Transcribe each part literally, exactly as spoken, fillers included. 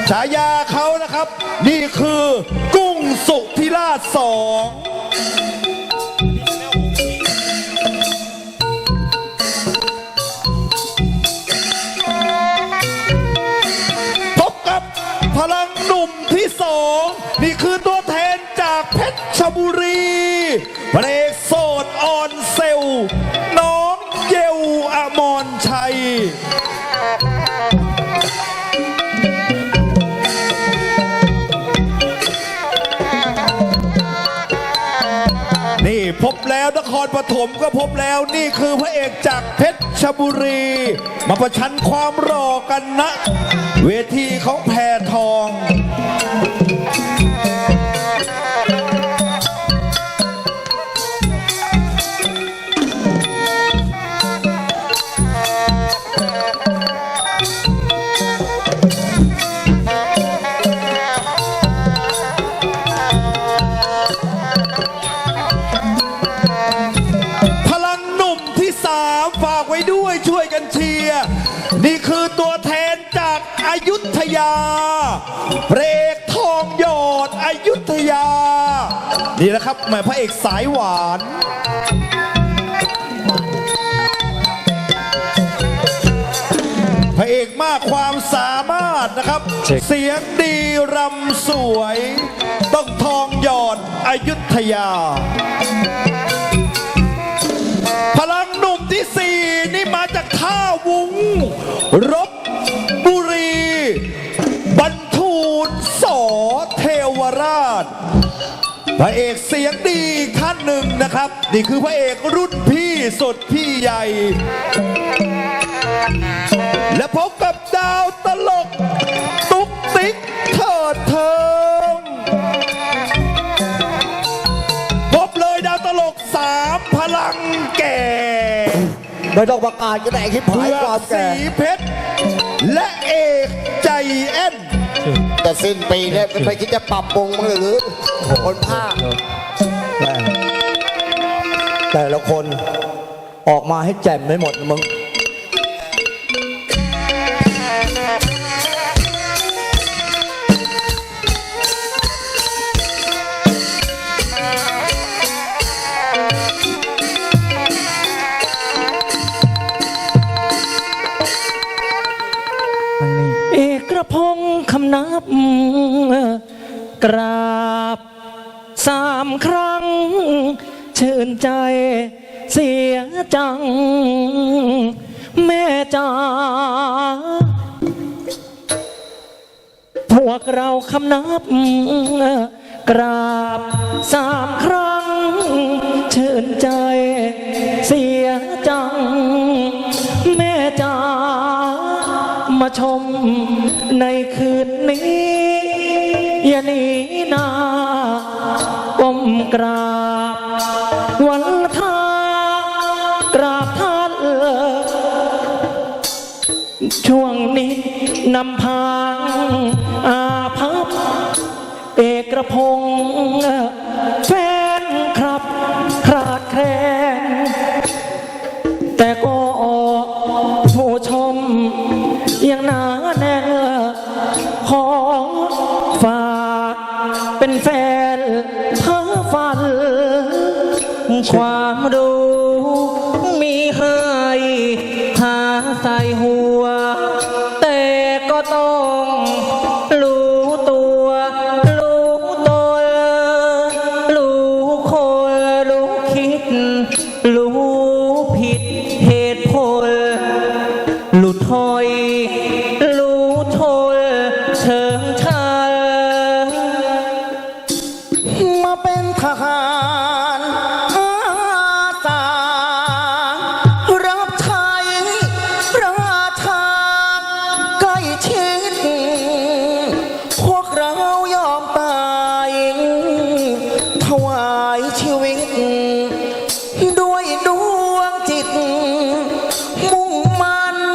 ฉายาเขานะครับนี่คือกุ้งสุธิราชสองพบกับพลังหนุ่มที่สองนี่คือตัวแทนจากเพชรบุรีพระเอกโสดอ่อนเซลน้องเยลอมรชัยนี่พบแล้วนครปฐมก็พบแล้วนี่คือพระเอกจากเพชรบุรีมาประชันความหล่อกันนะเวทีของแพทองช่วยกันเชียร์นี่คือตัวแทนจากอยุธยาพระเอกทองหยอดอยุธยานี่แหละครับแม่พระเอกสายหวานพระเอกมากความสามารถนะครับเสียงดีรำสวยต้องทองหยอดอยุธยาพลังหนุ่มที่สี่นี่มาจากท่าวุ้งรบบุรีบรรทูลสอเทวราชพระเอกเสียงดีท่านหนึ่งนะครับนี่คือพระเอกรุ่นพี่สุดพี่ใหญ่และพบกับดาวตลกตุ๊กติ๊กเถิดเทิงพบเลยดาวตลกสามพลังแก่ไม่ต้องประกาศก็ได้คิดผายความแก่สีเพชรและเอกใจแอนแต่สิ้นปีเนี่ยไม่คิดจะปรับปรุงมั้งหรือคนภาคแต่ละคนออกมาให้แจ่มไม่หมดมึงเอกพงษ์คำนับกราบสามครั้งชื่นใจเสียจังแม่จ๋าพวกเราคำนับกราบสามครั้งชื่นใจเสียจังแม่จ๋ามาชมในคืนนี้อย่าหนีหน้าก้มกราบวันทากราบท่านช่วงนี้นำพางอาภัพเอกพงษ์แฟนครับคลาดแคลนแต่ก็ผู้ชมยังหนาแน่นขอฝากเป็นแฟนเพ้อฝันความรู้มีให้หาใส่หัวแต่ก็ต้องรู้ตัวรู้ตนรู้คนรู้คิดรู้ผิดเหตุผลหลุดถอยรู้ทนเชิงชายมาเป็นทหารอาสารับใช้ราชาใกล้ชิดพวกเรายอมตายถวายชีวิตด้วยดวงจิตมุ่งมั่น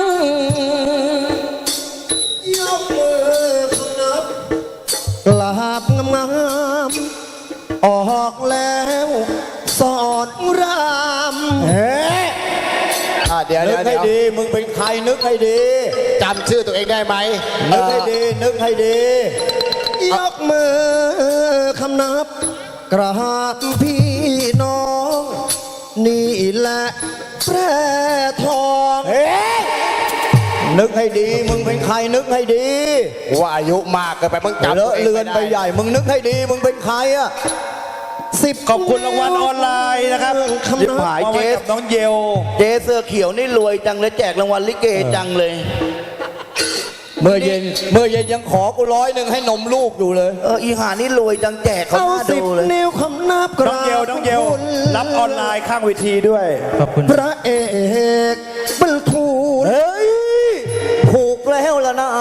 ยกมือนับกราบงามๆออกแล้วสอนรามเฮ้อาเดี๋ยวนึเดี๋กยวให้เดี๋ยวดีมึงเป็นใครนึกให้ดีจำชื่อตัวเองได้ไหมนึกให้ดีนึกให้ดียกมือคำนับ กราบพี่น้อง นี่แหละแพร่ทองเฮ้ยนึกให้ดีมึงเป็นใครนึกให้ดีว่าอายุมากเกินไปมึงจำเลตัวอะเองเลือนม่ไปด้ใหญ่มึงนึกให้ดีมึงเป็นใครอะสิบขอบคุณรางวัลออนไลน์นะครับคำยิบนับหายเจสน้องเยลเจเสื้อเขียวนี่รวยจังเลยแจกรางวัลลิเกจังเลยเมื่อเย็นเมื่อเย็นยังขอกูร้อยหนึ่งให้นมลูกอยู่เลยเอออีหานี่รวยจังแจกเขาเอาหน้าสิบดูเลยนิ้วคำนับกน้ราองบเยลน้องเยลคุณรับออนไลน์ข้างเวทีด้วยขอบคุณพระเอกบรรทูลเฮ้ยผูกแล้วล่ะนะ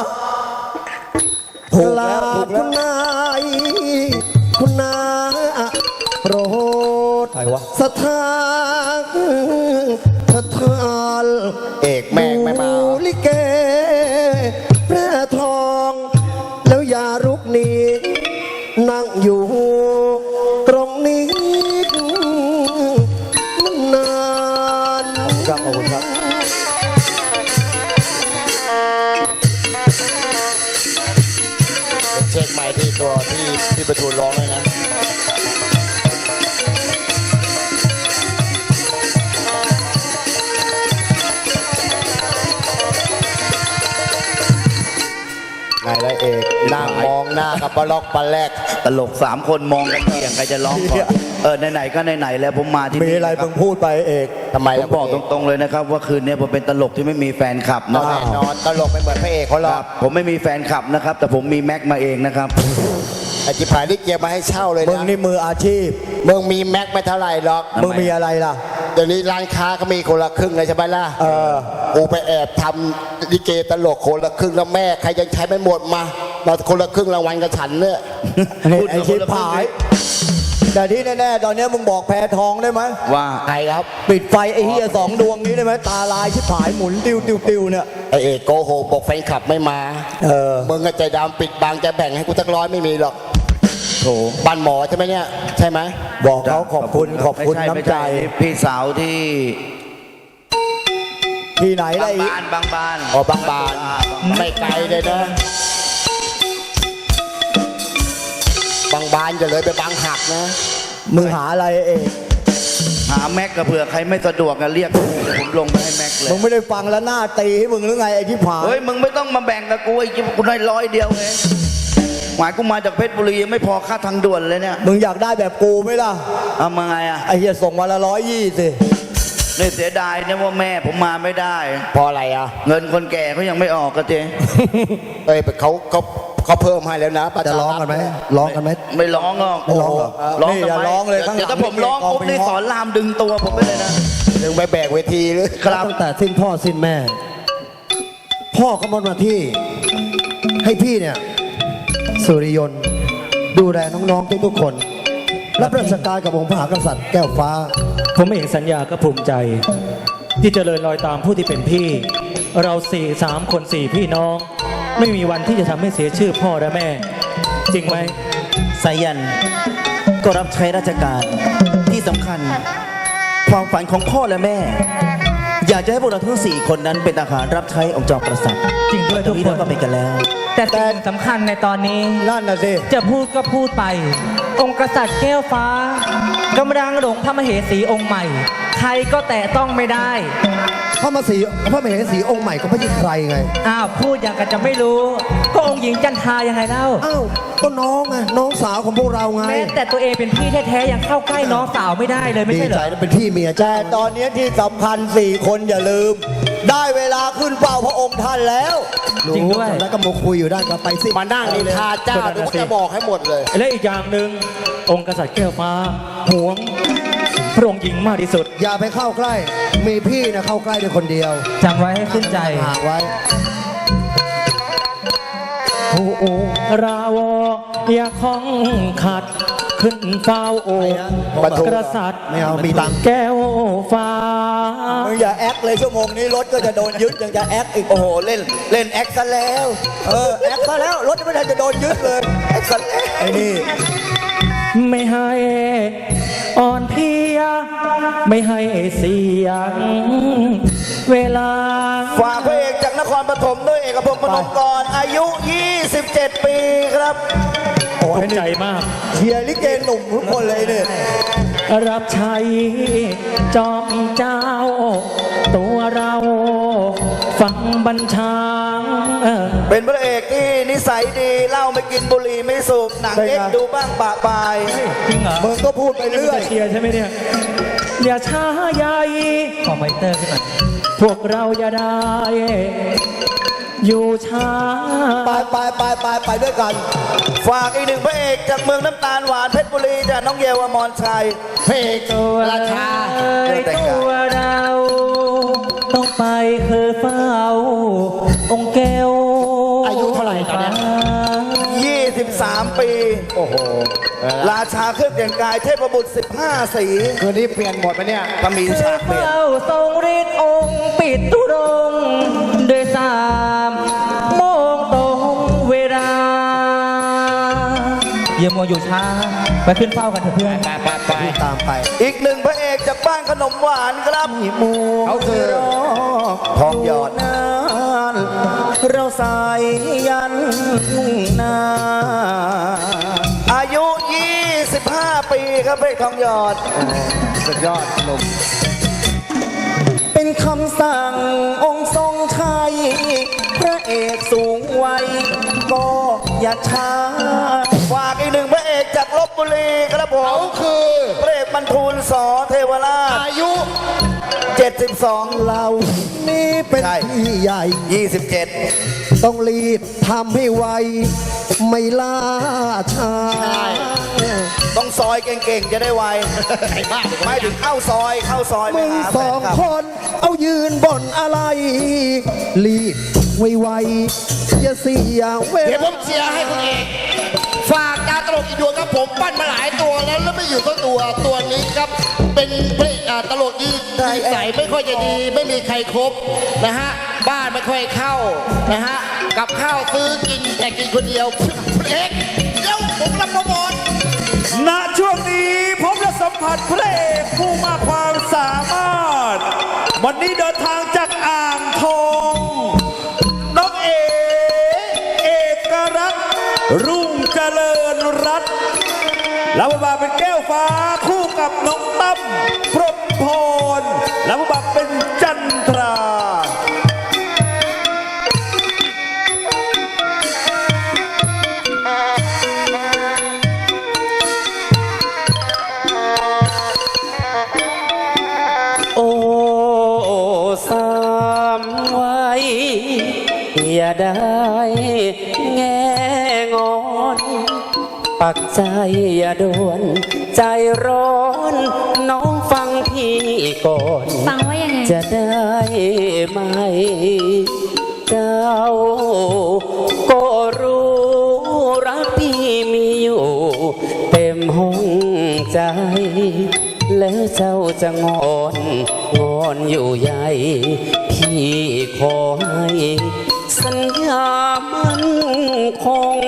ถูกลาแล้วถูกคุแล้วณนายคุณนาโปรดใครวะสถานสถานเอกแม่งไม่มาดูลิเกแพร่ทอง แล้วอย่ารุกหนีนั่งอยู่ตรงนี้นานครับขอบคุณครับเช็คใหม่ที่ตัวที่ที่ประทูลร้องเลยนะ ไงล่ะเอกนั่งมองหน้ากับปลาล็อกปลาแรกตลกสามคนมองกันเกี่ยงใครจะร้องก่อนเออไหนๆก็ไหนๆแล้วผมมาที่มีนี่อะไรนะคมึบงพูดไปเอกทำไมผล่ะมบอกตรงๆเลยนะครับ ว่าคืนนี้ผมเป็นตลกที่ไม่มีแฟนคลับนะคแน่รับนอนตลกไม่เหมือนพระเอกเขาหรคอรักบผมไม่มีแฟนคลับนะครับ แต่ผมมีแม็กมาเองนะครับไอ้จิบหายนี่เกียร์มาให้เช่าเลยมึงนะนี่มืออาชีพมึงมีแม็กไม่เท่าไหร่หรอกทำไมมึงมีอะไรล่ะเดี๋ยวนี้ร้านค้าก็มีคนละครึ่งเลยใช่ไหมล่ะเออกูไปแอบทำลิเกตลกคนละครึ่งแล้วแม่ใครยังใช้ไม่หมดมามาคนละครึ่งรางวัลกับฉันเนี่ยนี่พูดไอ้กับชิบคนละครึ่งหาย แต่ที่แน่ๆ ตอนนี้มึงบอกแพทองได้ไหมว่าใครครับปิดไฟไอ้เฮียสองดวงนี้ได้ไหมตาลายชิบหายหมุนติวติวติวเนี่ยไอเอกโกโหกบอกแฟนคลับไม่มาเออมึงก็ใจดำปิดบังจะแบ่งให้กูสักร้อยไม่มีหรอกโถบ้านหมอใช่ไหมเนี่ย ใช่ไหมบอกเขาขอบคุณขอบคุณไม่ช่น้ำไม่ใจช่พี่สาวที่ที่ไหนบาล่ะงอีกบานบางบานอ๋อบางบานไม่ไกลเลยนะ บางบานจะเลยไปบางหักนะมึงหาอะไรเอกหาแม็กกับเผื่อใครไม่สะดวกกันเรียกผมผมลงไปให้แม็กเลยมึงไม่ได้ฟังแล้วหน้าตีให้มึงหรือไงไอ้ที่ผายเฮ้ยมึงไม่ต้องมาแบ่งกับกูไอ้จิ๊บกูได้ร้อยเดียวเองหมายกูมาจากเพชรบุรียังไม่พอค่าทางด่วนเลยเนี่ยมึงอยากได้แบบกูไหมล่ะเอามาไงอ่ะไอ้เฮียส่งมาละร้อยยี่สิเนี่ยเสียดายเนี่ยว่าแม่ผมมาไม่ได้เพราะอะไรอ่ะเงินคนแก่เขายังไม่ออกก็เจ๊เอ้ยเขาเขาเขาเพิ่มให้แล้วนะปจะร้องกันไหมร้องกันไหมไม่ร้องหรอกไม่ร้องเหรอร้องนี่ทำอย่าไมร้องเลยข้างหลังเดี๋ยวถ้าผมร้องกองปุ๊บเป็นนี่เงาะสอนรามดึงตัวผมไปเลยนะถึงไปแบกเวทีหรือครับตั้งแต่สิ้นพ่อสิ้นแม่ พ่อก็มอบหน้าที่ ให้พี่เนี่ย สุริยนต์ดูแลน้องๆทุกๆคน รับราชการกับองค์พระมหากษัตริย์แก้วฟ้าผมเองสัญญาก็ภูมิใจ ที่เจริญรอยตามผู้ที่เป็นพี่ เราสี่สามคนสี่พี่น้อง ไม่มีวันที่จะทำให้เสียชื่อพ่อและแม่ จริงไหมสายันก็รับใช้ราชการที่สำคัญ ความฝันของพ่อและแม่ อยากจะให้พวกเราทั้งสี่คนนั้นเป็นทหารรับใช้องค์จอมกษัตริย์จริงด้วยทุกนี้คเรานก็เป็นกันแล้วแต่สิ่งสำคัญในตอนนี้นั่นน่ะสิจะพูดก็พูดไป องค์กษัตริย์แก้วฟ้ากำลังหลงพระมเหสีองค์ใหม่ ใครก็แตะต้องไม่ได้พระมสีพระมเหสีองค์ใหม่ก็ไม่ใช่ใครไงอ้าว พูดอย่างกันจะไม่รู้ ก็องค์หญิงจันทรายังไงเล่าอ้าวก็น้องไงน้องสาวของพวกเราไงแม้แต่ตัวเองเป็นพี่แท้ๆยังเข้าใกล้น้องสาวไม่ได้เลยไม่ดีใช่เหรใจอนะเป็นพี่เมียแต่จ้าตอนนี้ที่สำคัญสี่คนอย่าลืม ได้เวลาขึ้นเฝ้าพระองค์ท่านแล้วจริงด้วยแล้วก็มาคุยอยู่ด้านก็ไปสิมานั่งนินทาเจ้าเดี๋ยวกูจะบอกให้หมดเลยและอีกอย่างหนึ่งองค์กษัตริย์แก้วฟ้าหวงพระองค์หญิงมากที่สุดอย่าไปเข้าใกล้ มีพี่นะเข้าใกล้ได้คนเดียวจำไว้ให้ขึ้นใจห่างไว้โอ้โอราวออย่าของขัด ขึ้นเฝ้าโอไปนะกษัตริย์ไม่เอามีตังค์แก้วฟ้ามึงอย่าแอคเลยชั่วโมงนี้รถก็จะโดนยึดยังจะแอคอีกโอ้โหเล่นเล่นแอคซะแล้วเออแอคซะแล้วรถไม่ทันจะโดนยึดเลยแอคซะแล้วไอ้นี่ไม่ให้อ่อนเพลีย ไม่ให้เสียง เวลาฝากพระเอกจากนครปฐมด้วยเอกพงศ์พนมกรอายุ ยี่สิบเจ็ด ปีครับโอ้ยใจมากเชียร์ลิเกหนุ่มทุกคนเลยเนี่ยรับใช้จอมเจ้า ตัวเราฟังบัญชาเป็นพระเอกที่นิสัยดีเหล้าไม่กินบุหรี่ไม่สูบหนังเอ็กซ์ดูบ้างปะปายจริงเหรอมึงก็พูดไปเรื่อยเชียร์ใช่ไหมเนี่ย อย่าช้าใหญ่ขอไมเตอร์ขึ้นหน่อยพวกเราอย่าได้ อยู่ช้าไปไปไปไปไปด้วยกัน ฝากอีกหนึ่งพระเอกจากเมืองน้ำตาลหวานเพชรบุรีจากน้องเยาวอมรชัยพระเอกตัวราชาเอ้ยตัวเรา ต้องไปคือเฝ้า องค์แก้วอายุเท่าไหร่ตอนเนี้ยยี่สิบสาม ปีโอ้โหราชาเครื่องแต่งกายเทพบุตร สิบห้า สีคืนนี้เปลี่ยนหมดไหมเนี่ยก็มีฉากเปลี่ยนเฝ้าทรงฤทธิ์องค์ปิดตุรงค์ด้วยสามโมงตรงเวลาเยี่ยมมัวอยู่ช้า ไปขึ้นเฝ้ากันเถอะเพื่อนไปไปไปตามไป อีกหนึ่งพระเอกจากบ้านขนมหวานครับหมูเขาคือทองหยอดนานเราสายยันนาอายุ ยี่สิบห้า ปีครับเพชรทองหยอดสุดยอดหนุ่มเป็นคำสั่งองค์ทรงชัย พระเอกสูงวัยก็อย่าช้าฝากอีกหนึ่งพระเอกจากลบบุรีครับผเขามคือพระเอกบรรทูลสอเทวราชอายุเจ็ดสิบสองเรานี่เป็นใช่พี่ใหญ่ยี่สิบเจ็ดต้องรีบทำให้ไว ไม่ล่าช้าต้องซอยเก่งๆ จะได้ไวไม่ถึงเข้าซอยเข้าซอยไปมึงหาสแฟอน งคลับคนเอายืนบ่นอะไร รีบไวๆอย่าเสียเวเดี๋ยวผลามเชียร์ให้คุณเอกฝากดาวตลกอีกดวงครับผมปั้นมาหลายตัวแล้วแล้วไม่อยู่ตัวตัวตัวนี้ครับ เป็นพระอ่าตลกดีนิสัยไม่ค่อยจะดีไม่มีใครครบนะฮะบ้านไม่ค่อยเข้านะฮะกับข้าวซื้อกินแต่กินคนเดียวพระเอกเดี๋ยวผมรับโปรโมทณช่วงนี้ผมจะสัมผัสพระเอกผู้มากความสามารถ วันนี้เดินทางจากอ่างทองน้องเอเอกรัตน์รุ่งเจริญรัตน์แล้วมาเป็นแก้วฟ้าคู่กับน้องตั้มพรหมพรแล้วมาเป็นจันทราโอ้สามไว้อย่าได้แง่งอน ปักใจอย่าด่วน ใจร้อน น้องฟังพี่ก่อนฟังว่ายังไงจะได้ไหม เจ้าก็รู้รักพี่มีอยู่ เต็มห้องใจ แล้วเจ้าจะงอนงอนอยู่ใหญ่ พี่ขอให้สัญญามันคง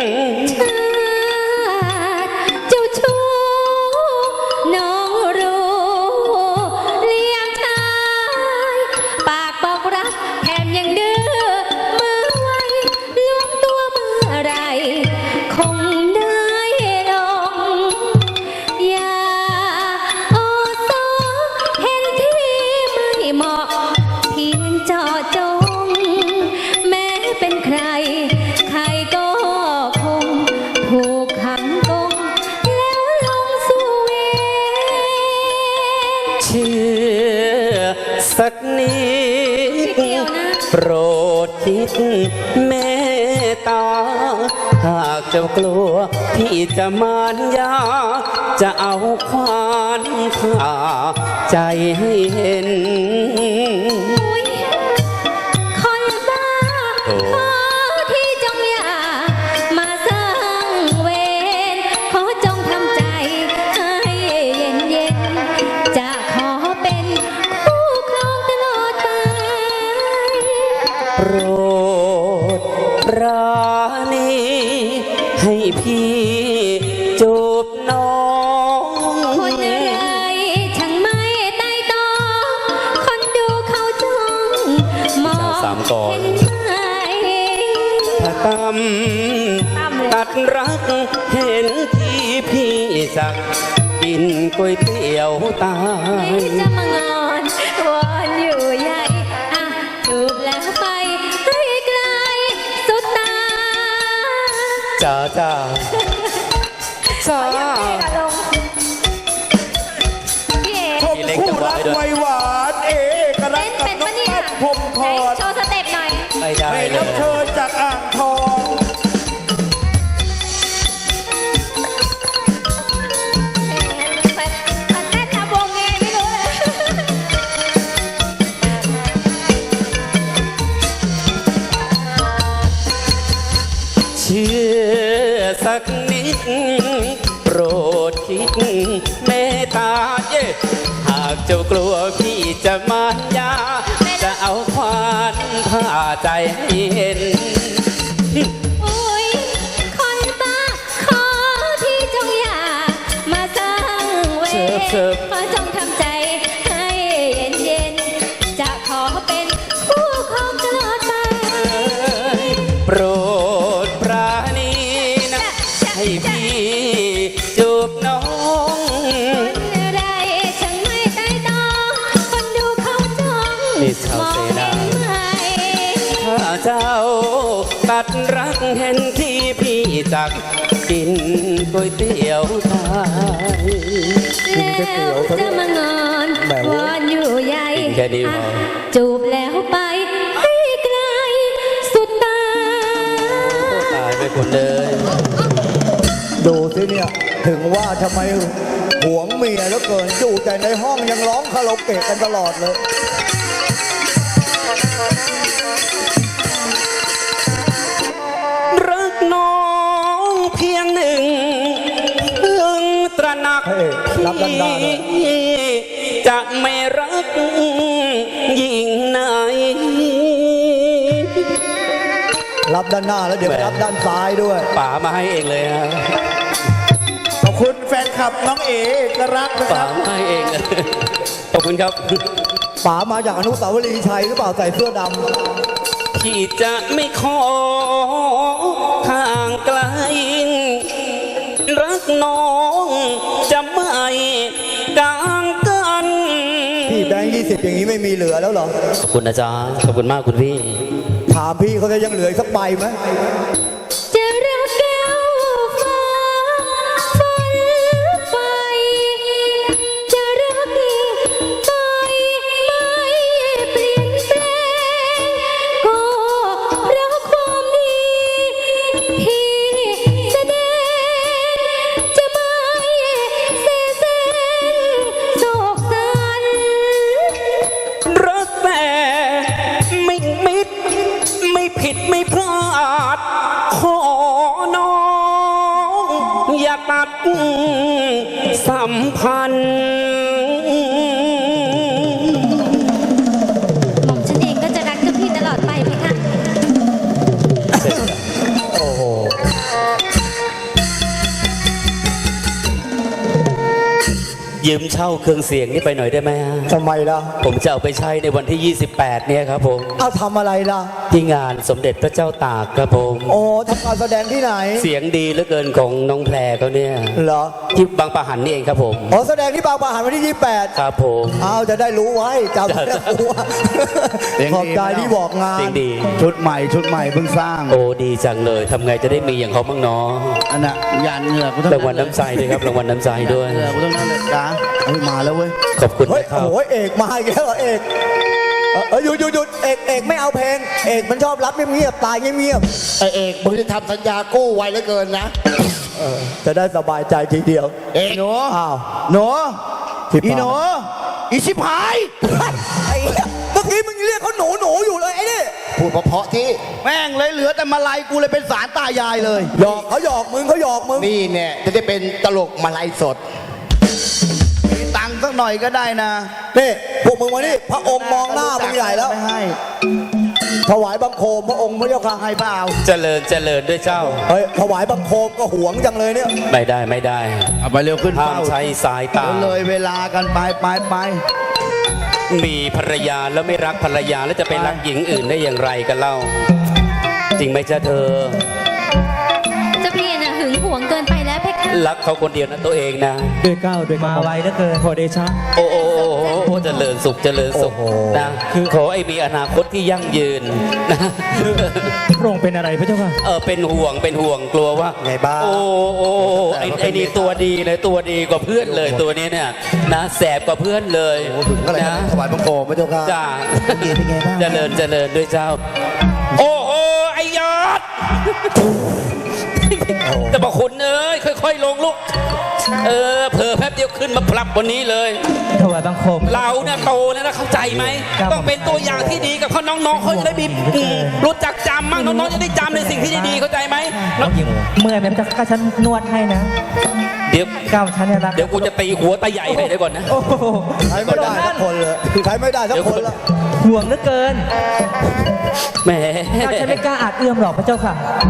เจ้าชู้น้องรู้เลี้ยงชายปากบอกรักแถมยังดื้อมือไวล้วงตัวเมื่อไรคงได้ลงอย่าโอโซเห็นที่ไม่เหมาะเพียงเจาะจง แม้เป็นใคร ใครก็คงผูกขังกงแล้วลงสู่เวรเชื่อสักนิดเดี๋ยวนะโปรดคิดเมตตา หากเจ้ากลัวพี่จะมารยา จะเอาควานข่าใจให้เห็นอุ๊ยคนบ้าโอ้ขอที่จงอย่ามาสร้างเวรขอจงทำใจให้เย็นเย็นๆจะขอเป็นคู่ครองตลอดไปโปรดปราณีให้พี่จูบน้องคนอะไรตำตัดรักเห็นที่พี่จักกินก๋วยเตี๋ยวตายจะมางอนวอนอยู่ใหญ่อ่ะจูบแล้วไปให้ไกลสุดตาจ้าจ้าจ้าพี่เอ๋ชมคู่รักไวหวานเอกรักเต้นกับเป็นน้อปะงเนี่ยปั้นพรหมพไหนรโชว์สเต็ปหน่อยไม่ได้ให้เลรับยเชิญจากอ่างทองมันเต้นทำวงไงไม่รู้เลยเชื่อสักนิด โปรดคิดเมตตาเย่หากเจ้ากลัวพี่จะมานยา จะเอาควานผ่าใจให้เห็นโอ้ยคนบ้าขอที่จงอย่ามาสร้างเวเชิบเชิรบขอจงทำใจให้เย็นๆจะขอเป็นคู่ของตลอดไปโปรดปราณีนะ ให้พี่จูบน้องคนอะไรช่างไม่ใต้ตองคนดูเขาจ้องนี่ชาวมอเสงนาเห็นไหมถ้าเจ้าตัดรักเห็นที่พี่จักกินก๋วยเตี๋ยวตายแล้วจะมางอนวอนอยู่ใหญ่แค่นี้พออ่ะจูบแล้วไปให้ไกลสุดตาตายไปคนเลยดูสิเนี่ย ถึงว่าทำไมหวงเมียแล้วเกินอยู่แต่ในห้องยังร้องคาราโอเกะกันตลอดเลยรักน้องเพียงหนึ่งเพิ่งตระหนักเฮ้ยรับด้านหน้าด้วยพี่จะไม่รักยิ่งไหนรับด้านหน้าแล้วเดี๋ยวไปรับด้านซ้ายด้วยป๋ามาให้เองเลยฮะขอบคุณแฟนคลับน้องเอกรักนะคป๋ารับมาให้เองเลยขอบคุณครับป๋ามาจากอนุสาวรีย์ชัยหรือเปล่าใส่เสื้อดพี่จะไม่ขอห่างไกล รักน้องจะไม่ต่างกันำพี่แบงค์ยี่สิบอย่างนี้ไม่มีเหลือแล้วเหรอขอบคุณนะจ๊ะขอบคุณมากคุณพี่ถามพี่เขาจะยังเหลืออีกสักใบไหมจะรักแก้วฟ้าฝันไป จะรักไปไม่เปลี่ยนแปลง ก็เพราะความดีที่แสดง จะไม่เสียแสงโศกสันรักแต่ไม่มิดไม่ผิดไม่พลาด ขอน้องอย่าตัดสัมพันธ์หม่อมฉันเองก็จะรักกับพี่ตลอดไปไหมคะยืมเช่าเครื่องเสียงนี่ไปหน่อยได้ไหมฮะทำไมล่ะผมจะเอาไปใช้ในวันที่ ยี่สิบแปด เนี่ยครับผมเอาทำอะไรล่ะที่งานสมเด็จพระเจ้าตากครับผมโอ้ทำการแสดงที่ไหนเสียงดีเหลือเกินของน้องแพรเขาเนี่ยเหรอที่บางปะหันนี่เองครับผมอ๋อแสดงที่บางปะหันวันที่ยี่สิบแปดครับผมเอาจะได้รู้ไว้จำได้รู้ว่าขอบใจที่บอกงานเสียงดีชุดใหม่ชุดใหม่เพิ่งสร้างโอ้ดีจังเลยทำไงจะได้มีอย่างเขาบ้างเนาะอันน่ะยานเหงื่อกูต้องรางวัลน้ำใจด้วยครับรางวัลน้ำใจด้วยเหงื่อกูต้องนั่นเลยจ้าเฮ้ยมาแล้วเว้ยขอบคุณเฮ้ยนะครับโอ้ยเอกมาอีกแล้วเหรอเอกเออเออหยุดหยุดหยุดเอกเอกไม่เอาเพลง เอกมันชอบรับเงียบๆตายเงียบไอเอกมึงจะทำสัญญากู้ไว้เหลือเกินนะๆเออจะได้สบายใจทีเดียวเอกหนูอ้าวหนูที่อีปากหนูอีชิบหายไอ้เหี้ยเมื่อกี้มึงเรียกเขาหนูหนูอยู่เลยไอ้นี่พูดเพราะๆที่แม่งเลยเหลือแต่มาลัยกูเลยเป็นสารตายายเลยหยอกเขาหยอกมึงเขาหยอกมึงนี่เนี่ยจะได้เป็นตลกมาลัยสดมีตังค์สักหน่อยก็ได้นะนี่พวกมึงมานี่พระองค์มองหน้ามึงใหญ่แล้วไม่ให้ถวายบังคมพระองค์พระเจ้าค่ะให้เปล่าเจริญเจริญด้วยเจ้าเฮ้ยถวายบังคมก็หวงจังเลยเนี่ยไม่ได้ไม่ได้เอาไปเร็วขึ้นห้ามเฝ้าใช้สายตาเดี๋ยวเลยเวลากันไปไปไปมีภรรยาแล้วไม่รักภรรยาแล้วจะไปรักหญิงอื่นได้อย่างไรกันเล่าจริงไหมจ๊ะเธอเจ้าพี่น่ะหึงหวงเกินไปแล้วเพคะรักเขาคนเดียวนะตัวเองนะด้วยเกล้าวด้วยกระหมาม่อมไวเหลือเกินขอเดชะโอ้โอ้โอ้โอ้โอ้เจริญสุขเจริญสุขนะคือขอให้มีอนาคตที่ยั่งยืนนะพระองค์เป็นอะไรพระเจ้าค่ะเออเป็นห่วงเป็นห่วงกลัวว่าไงบ้างโอ้โอ้ไอ้ไอ้นี่ตัวดีเลยตัวดีกว่าเพื่อนเลยตัวนี้เนี่ยนะแสบกว่าเพื่อนเลยโอ้ถึงก็เลยนะถวายบังคมพระเจ้าค่ะจ้าเมียเป็นไงบ้างเจริญเจริญด้วยเจ้า โอ้โหไอ้ยอดแต่บอกคุณเอ้ยค่อยๆลงลูกเออเผลอแป๊บเดียวขึ้นมาพลับบนนี้เลยถวายบังคมเราเนี่ยโตแล้วนะเข้าใจไหมครับต้องเป็นตัวอย่างที่ดีกับเขาน้องๆเขาจะได้มีอืมรู้จักจำมั่งน้องๆจะได้จำในสิ่งที่ดีๆเข้าใจไหมน้องเมื่อยไหมพระเจ้าค่ะฉันนวดให้นะเดี๋ยวก้าวฉันเนี่ยรักเดี๋ยวกูจะตีหัวตาใหญ่ให้เดี๋ยวก่อนนะโอ้โหใช้ไม่ได้สักคนเลยใช้ไม่ได้สักคนละห่วงเหลือเกินแหมก้าวฉันไม่กล้าอาจเอื้อมหรอกพระเจ้าค่ะ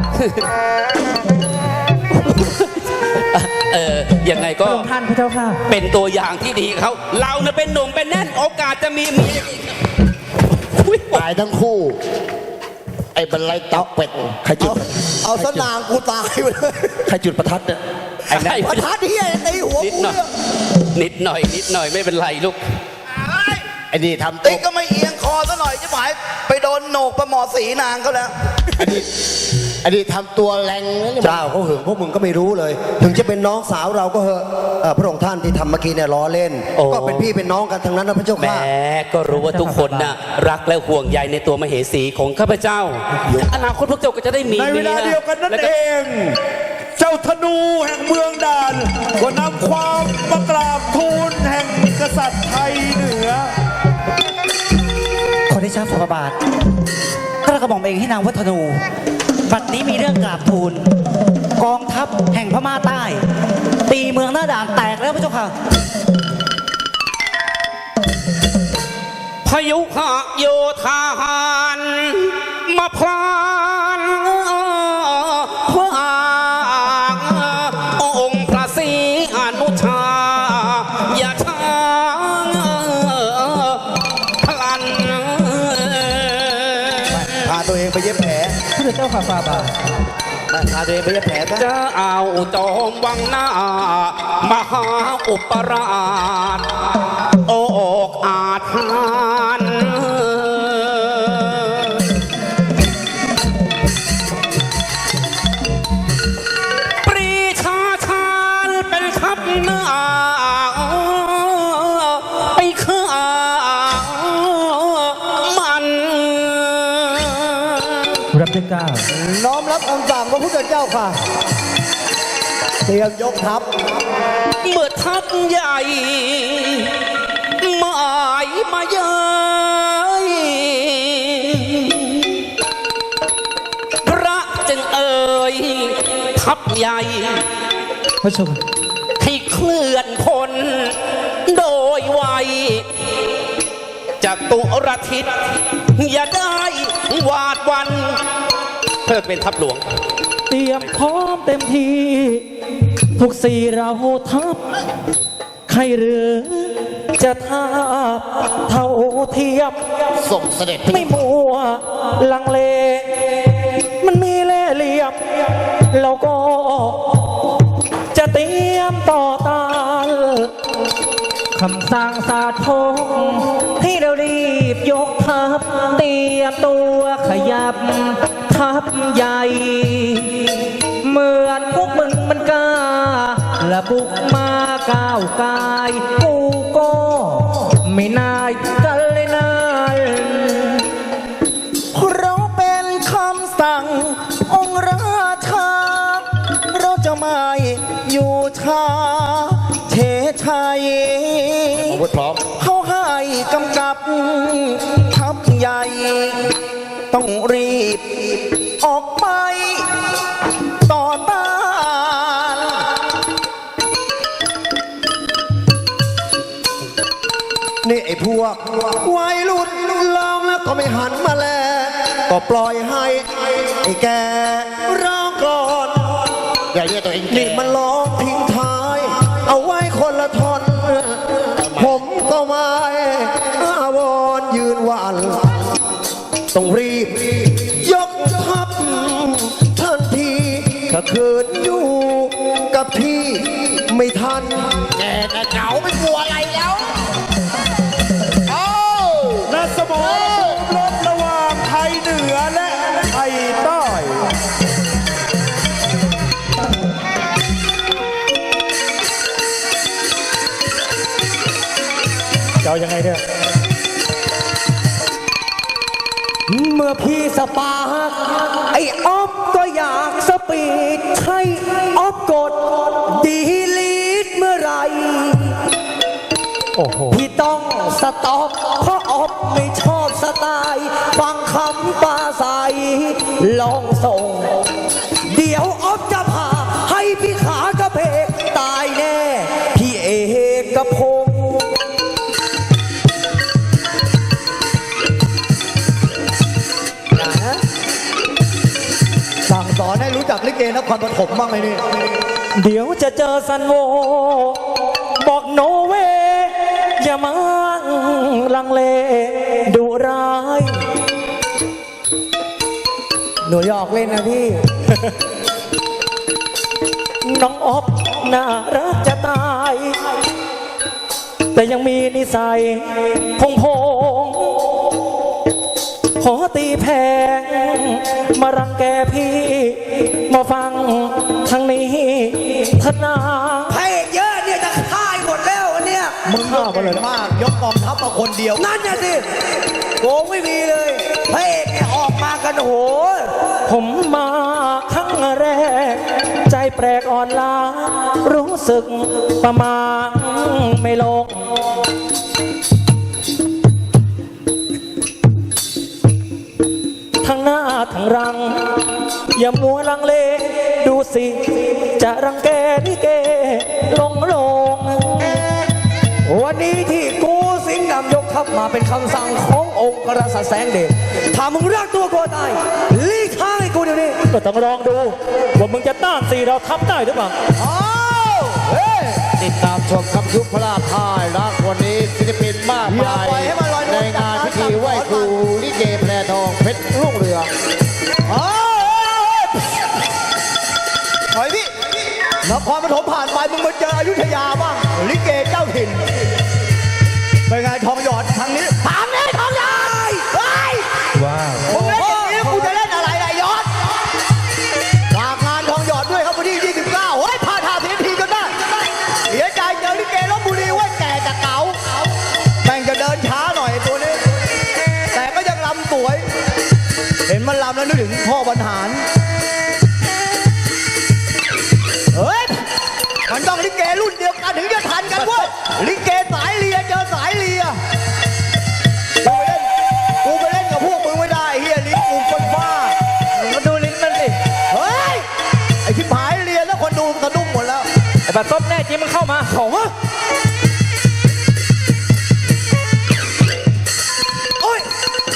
เออยังไงพก็ระองค์ท่านพระเจ้าค่ะเป็นตัวอย่างที่ดีเขาเราเนี่ยเป็นหนุ่มเป็นแน่นโอกาสจะมีเมียอุ๊ยตายทั้งคู่ ไอ้บรรลัยตับเป็ดใครจุดเอาสนางกูตายไปเลยใครจุดประทัดเนี่ยไอ้นั่นประทัดที่ไอ้ตีหัวนิดกูหน่อยเนี่ยนิดหน่อยนิดหน่อยไม่เป็นไรลูกไอ้นี่ทำตัตีวก็ไม่เอียงคอซะหน่อยจะหมายไปโดนโหนกประหมอสีนางเขาแล้วไอ้นี่ทำตัวแรงนะเนี่ยเจ้าเขาหึงพวกมึงก็ไม่รู้เลย ถึงจะเป็นน้องสาวเราก็เหอะเอ่อพระองค์ท่านที่ทำเมื่อกี้เนี่ยล้อเล่นโอ้ก็เป็นพี่เป็นน้องกันทั้งนั้นนะพระเจ้าแหมค่ะก็รู้ว่าทุกคนน่ะรักและห่วงใยในตัวมเหสีของข้าพเจ้า อนาคตพวกเจ้าก็จะได้มีในเวลาเดียวกันนั่นแล้เอง เจ้าธนูแห่งเมืองด่านก็นำความมากราบทูลแห่งกษัตริย์ไทยเหนือขอได้ชาฝ่าพระบาทข้ากระหม่อมเองให้นางวัฒนู บัดนี้มีเรื่องกราบทูล กองทัพแห่งพม่าใต้ ตีเมืองหน้าด่านแตกแล้วพระเจ้าค่ะพายุหากโยธาหารมาพลานพระองค์พระศรีอนุชา อย่าช้าพลันพาตัวเองไปเย็บแผลพระเจ้าค่ะฝ่าบาทไปพาตัวเองไปเย็บแผลซะจะเอาจอมวังหน้า มหาอุปราช โอกอาจหานปรีชาชาญเป็นทัพหน้า ไปฆ่ามันรับด้วยเกล้าวน้อมรับคำสั่งพระพุทธเจ้าค่ะ เตรียมยกทัพเมื่อทัพใหญ่หมายมาเย้ยพระจึงเอ่ยทัพใหญ่พระเจ้าค่ะให้เคลื่อนพลโดยไวจากตุรทิศอย่าได้หวาดหวันเพื่อเป็นทัพหลวงเตรียมพร้อมเต็มทีทุกสี่เราทัพใครหรือจะทาบเท่าเทียมส่งเสด็จไปไม่มัวลังเล มันมีเล่ห์เหลี่ยม เราก็จะเตรียมต่อต้านคำสั่งสาธงให้เรารีบยกทัพเตรียมตัวขยับทัพใหญ่ เหมือนพวกมึงมันกล้าและบุกมาก้าวกายกูก็ไม่นายกันเลยนายเราเป็นคำสั่งองค์ราชา เราจะไม่อยู่ช้าเฉยชัยอาวุธพร้อมเขาให้กำกับทัพใหญ่ ต้องรีบออกไปต่อต้านนี่ไอ้พวกวัยรุ่นลองแล้วก็ไม่หันมาแล ก็ปล่อยให้ไอ้แกร้องก่อนอย่าเรียกตัวเองแก่นี่มันร้องทิ้งท้าย เอาไว้คนละท่อน ผมก็ไม่อาวรณ์ยืนหวัน ต้องรีบ ยกทัพถ้าคืนอยู่กับพี่ไม่ทันแกแต่เหงาไม่กลัวอะไรแล้วเอ้าและสมรภูมิรบระหว่างไทยเหนือและไทยใต้จะเอายังไงเนี่ยเมื่อพี่สปาร์คไอ้ออฟก็อยากสปีดใช่ออฟกดดีลีทเมื่อไหรโอ้โหพี่ต้องสต็อปเพราะออฟไม่ชอบสไตล์ฟังคำปลาใสลองส่ง เดี๋ยวออฟจะพาให้พี่ขากระเพกตายแน่ พี่เอกกระพงษ์สั่งสอนให้รู้จักลิเกนครปฐมบ้างไหมนี่เดี๋ยวจะเจอซันโว บอกโนเวอย่ามาลังเลดุร้ายหนูหยอกเล่นนะพี่น้องออฟน่ารักจะตาย แต่ยังมีนิสัยพงพงขอตีแพงมารังแกพี่ มาฟังทางนี้ทนาพระเอกเยอะเนี่ยจะฆ่าหมดแล้วอันเนี่ยมึงก็เก่งมาก ยกกองทัพมาคนเดียวนั่นน่ะสิโกงไม่มีเลยพระเอกเนี่ยออกมากันโหผมมาครั้งแรก ใจแปลกอ่อนล้า รู้สึกประมาณไม่ลง ทั้งหน้าทั้งรัง อย่ามัวลังเล ดูสิ จะรังแกลิเก ลงลงวันนี้ที่กูสิงห์ดำยกทัพมาเป็นคำสั่งขององค์กษัตริย์แสงเดชถ้ามึงรักตัวกลัวตายลีกทางให้กูเดี๋ยวนี้ก็ต้องลองดู ว่ามึงจะต้านสีเราทับได้หรือเปล่าติดตามชมครับยุคพระราพายรักวันนี้ศิลปินมากมายอย่าปล่อยให้มันลอยนวลในงานพิธีไหว้ครูลิเกแพรทองเพชรรุ่งเรืองถอยพี่นครปฐมผ่านไปมึงมาเจออยุธยาบ้าง ลิเกเจ้าถิ่นเป็นไงทองหยอดทางนี้ทางนี้ทองหยอดเฮ้ยว้าวมึงเล่นอย่างนี้กูจะเล่นอะไรล่ะยอดฝากงานทองหยอดด้วยครับวันที่ยี่สิบเก้าเฮ้ยพาทาเสียทีจนได้เสียใจเจอลิเกลบบุรีว่าแก่จะเก๋าแม่งจะเดินช้าหน่อยตัวนี้ แต่ก็ยังลำสวย เห็นมันลำแล้วนึกถึงพ่อบรรหาร เฮ้ย มันต้องลิเกรุ่นเดียวกันถึงจะทันกันเว้ย ลิเกสายเลียเจอสายเลียกูไปเล่น กูไปเล่นกับพวกมึงไม่ได้เฮียลิ้นกูคนบ้ามาดูลิ้นมันสิเฮ้ย ไอ้ชิบหายเลียแล้วคนดูสะดุ้งหมดแล้วไอ้บัตรซบแน่จริงมันเข้ามาของวะโอ้ย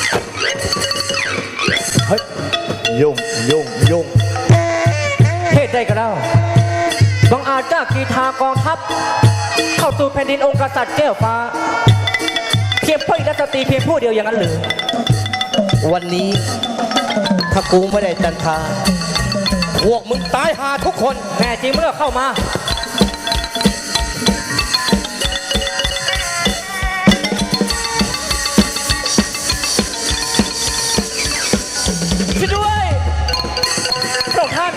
เฮ้ย ยุ่งยุ่งยุ่งเหตุใดกันเล่าบังอาจกล้ากีทากองทัพ เข้าสู่แผ่นดินองค์กษัตริย์แก้วฟ้า เพียงเพื่อรัตตรีเพียงผู้เดียวอย่างนั้นหรือวันนี้ถ้ากูไม่ได้จันทราพวกมึงตายหาทุกคนแน่จริงเมื่อเข้ามา ช่วยด้วยพระองค์ท่าน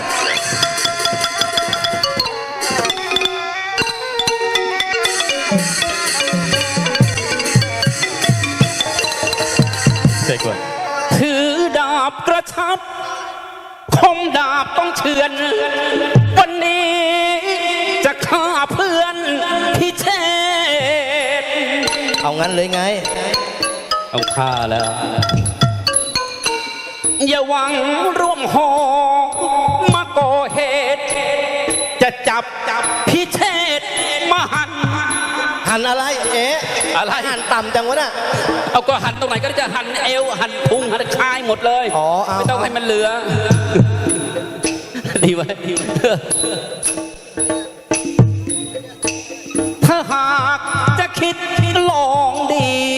ถือดาบกระชับ คมดาบต้องเฉือน วันนี้จะฆ่าเพื่อนพี่เชษฐ์เอางั้นเลยไงต้องฆ่าแล้ว อย่าหวังร่วมหอมาก่อเหตุ จะจับจับพี่เชษฐ์มาหันหันอะไร เอ๊ะอะไรหันต่ำจังวะน่ะเอาก็หันตรงไหนก็ได้จะหันเอวหันพุงหันคายหมดเลยอ๋อเอาไม่ต้องให้มันเหลือ ดีไว้ดีไว้ถ้าหากจะคิดลองดี